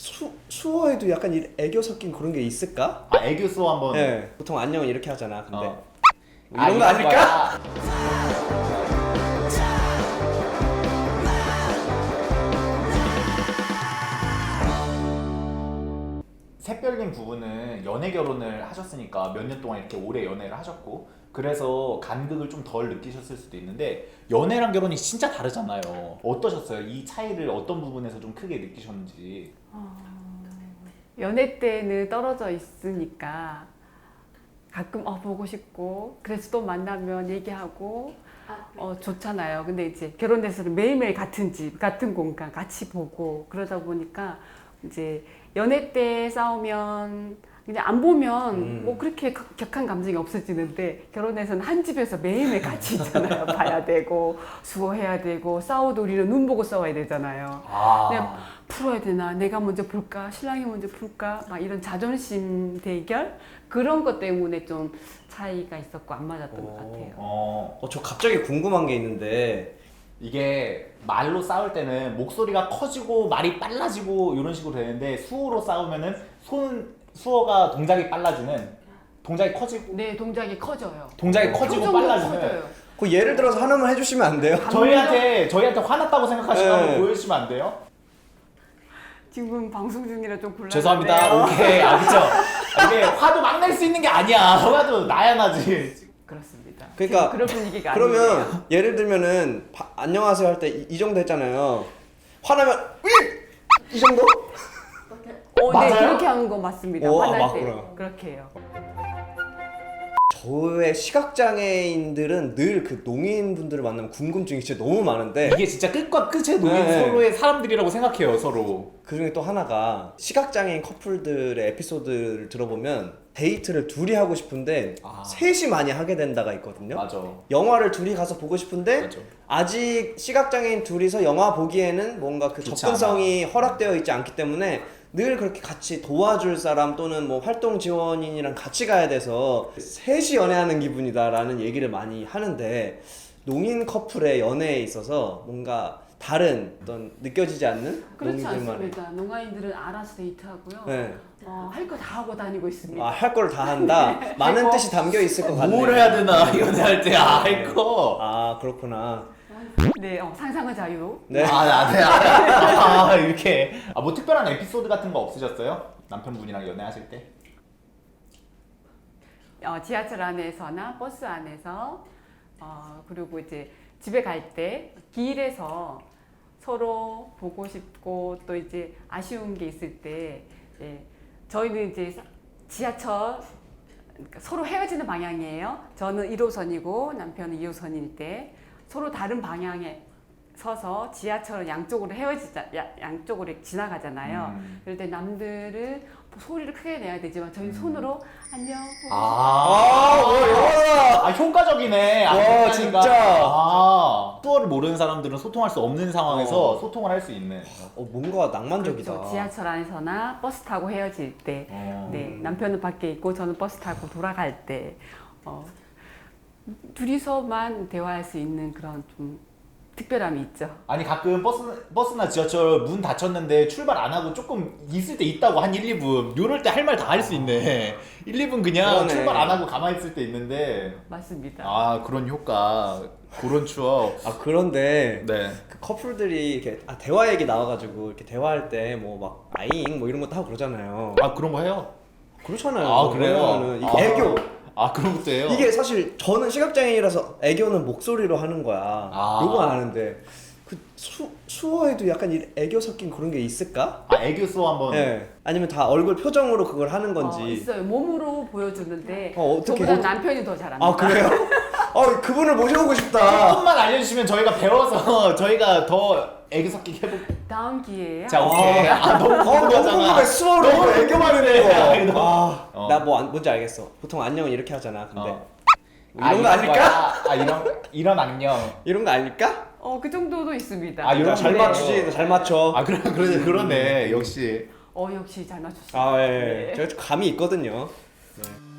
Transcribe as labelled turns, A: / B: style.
A: 수어에도 약간 애교 섞인 그런 게 있을까?
B: 아, 애교 수어 한번.
A: 네. 보통 안녕은 이렇게 하잖아. 근데
B: 어.
A: 뭐 이런 거 아닐까?
B: 샛별님 부부는 연애 결혼을 하셨으니까 몇 년 동안 이렇게 오래 연애를 하셨고 그래서 간극을 좀 덜 느끼셨을 수도 있는데 연애랑 결혼이 진짜 다르잖아요. 어떠셨어요? 이 차이를 어떤 부분에서 좀 크게 느끼셨는지.
C: 연애 때는 떨어져 있으니까 가끔 보고 싶고 그래서 또 만나면 얘기하고 좋잖아요. 근데 이제 결혼해서는 매일매일 같은 집, 같은 공간 같이 보고 그러다 보니까 이제 연애 때 싸우면 그냥 안 보면 뭐 그렇게 격한 감정이 없어지는데 결혼해서는 한 집에서 매일매일 같이 있잖아요. 봐야 되고 수고해야 되고 싸워도 우리는 눈 보고 싸워야 되잖아요. 그냥 풀어야 되나? 내가 먼저 풀까? 신랑이 먼저 풀까? 막 이런 자존심 대결 그런 것 때문에 좀 차이가 있었고 안 맞았던 것 같아요.
A: 저 갑자기 궁금한 게 있는데
B: 이게 말로 싸울 때는 목소리가 커지고 말이 빨라지고 이런 식으로 되는데 수어로 싸우면은 수어가 동작이 빨라지는 동작이 커지고
C: 네, 동작이 커져요.
B: 동작이 커지고
C: 표정도
B: 빨라지는
C: 커져요.
A: 그 예를 들어서 하나만 해주시면 안 돼요?
B: 저희한테 화났다고 생각하시면
A: 네.
B: 한번 보여주시면 안 돼요?
C: 지금 방송 중이라 좀 곤란한데요.
B: 죄송합니다. 오케이. 그쵸. 이게 화도 막 낼 수 있는 게 아니야. 화도 나야 나지.
C: 그렇습니다.
A: 그러니까
C: 그런 분위기가 아니에요.
A: 그러면 예를 들면은 안녕하세요 할 때 이 정도 했잖아요. 화나면 이 정도?
C: 네,
B: 맞아요?
C: 그렇게 하는 거 맞습니다. 화날 때
A: 맞구나.
C: 그렇게 해요.
A: 저의 시각장애인들은 늘 그 농인분들을 만나면 궁금증이 진짜 너무 많은데
B: 이게 진짜 끝과 끝의 노인
A: 네.
B: 서로의 사람들이라고 생각해요. 서로.
A: 그 중에 또 하나가 시각장애인 커플들의 에피소드를 들어보면 데이트를 둘이 하고 싶은데 셋이 많이 하게 된다가 있거든요.
B: 맞아.
A: 영화를 둘이 가서 보고 싶은데
B: 맞아.
A: 아직 시각장애인 둘이서 영화 보기에는 뭔가 그
B: 좋지
A: 접근성이 허락되어 있지 않기 때문에 늘 그렇게 같이 도와줄 사람 또는 뭐 활동 지원인이랑 같이 가야 돼서 셋이 연애하는 기분이다라는 얘기를 많이 하는데 농인 커플의 연애에 있어서 뭔가 다른 어떤 느껴지지 않는
C: 그렇지
A: 농인들만의
C: 않습니다. 농아인들은 알아서 데이트하고요.
A: 네.
C: 할 거 다 하고 다니고 있습니다.
A: 할 걸 다 한다. 많은 뜻이 담겨 있을 것 같네요.
B: 뭘 해야 되나 연애할 때 할 거.
A: 그렇구나.
C: 네, 상상의 자유.
A: 네.
B: 이렇게. 뭐 특별한 에피소드 같은 거 없으셨어요? 남편분이랑 연애하실 때?
C: 지하철 안에서나 버스 안에서 그리고 이제 집에 갈 때 길에서 서로 보고 싶고 또 이제 아쉬운 게 있을 때 저희는 이제 지하철 그러니까 서로 헤어지는 방향이에요. 저는 1호선이고 남편은 2호선일 때 서로 다른 방향에 서서 지하철은 양쪽으로 양쪽으로 지나가잖아요. 그럴 때 남들은 소리를 크게 내야 되지만 저희 손으로 안녕.
B: 효과적이네.
A: 와, 진짜.
B: 수어를 모르는 사람들은 소통할 수 없는 상황에서 소통을 할 수 있는.
A: 뭔가 낭만적이다.
C: 그렇죠. 지하철 안에서나 버스 타고 헤어질 때, 네, 남편은 밖에 있고 저는 버스 타고 돌아갈 때 둘이서만 대화할 수 있는 그런 좀 특별함이 있죠.
B: 아니 가끔 버스나 지하철 문 닫혔는데 출발 안 하고 조금 있을 때 있다고 한 1, 2분 요럴 때 할 말 다 할 수 있네. 1, 2분 그냥
A: 그러네.
B: 출발 안 하고 가만히 있을 때 있는데
C: 맞습니다.
B: 그런 효과 그런 추억.
A: 그런데
B: 네.
A: 그 커플들이 이렇게 대화 얘기 나와가지고 이렇게 대화할 때 뭐 막 아잉 뭐 이런 것도 하고 그러잖아요.
B: 그런 거 해요?
A: 그렇잖아요.
B: 그래요?
A: 왜냐면은 이게 애교.
B: 그런 것도 해요?
A: 이게 사실 저는 시각장애인이라서 애교는 목소리로 하는 거야. 요건 아는데 그 수어에도 약간 애교 섞인 그런 게 있을까?
B: 애교 수어 한번.
A: 네. 아니면 다 얼굴 표정으로 그걸 하는 건지.
C: 있어요. 몸으로 보여주는데
A: 어떻게?
C: 저보다 남편이 더 잘합니다.
A: 그래요? 그분을 모셔보고 싶다.
B: 조금만 알려주시면 저희가 배워서 저희가 더 애교 섞이게 해볼게요.
C: 다음 기회에
B: 자, 오케이. 너무
A: 너무 궁금해. 수어로
B: 너무
A: 애교만
B: 궁금해.
A: 있는 거. 나 뭔지 알겠어. 보통 안녕은 이렇게 하잖아. 근데
B: 이런
A: 이런 거 아닐까?
B: 이런 악령.
A: 이런 거 아닐까?
C: 그 정도도 있습니다.
A: 이런 잘 맞추지. 잘 맞춰.
B: 그러네. 역시.
C: 역시 잘 맞추시네요.
A: 예. 제가 좀 감이 있거든요. 네.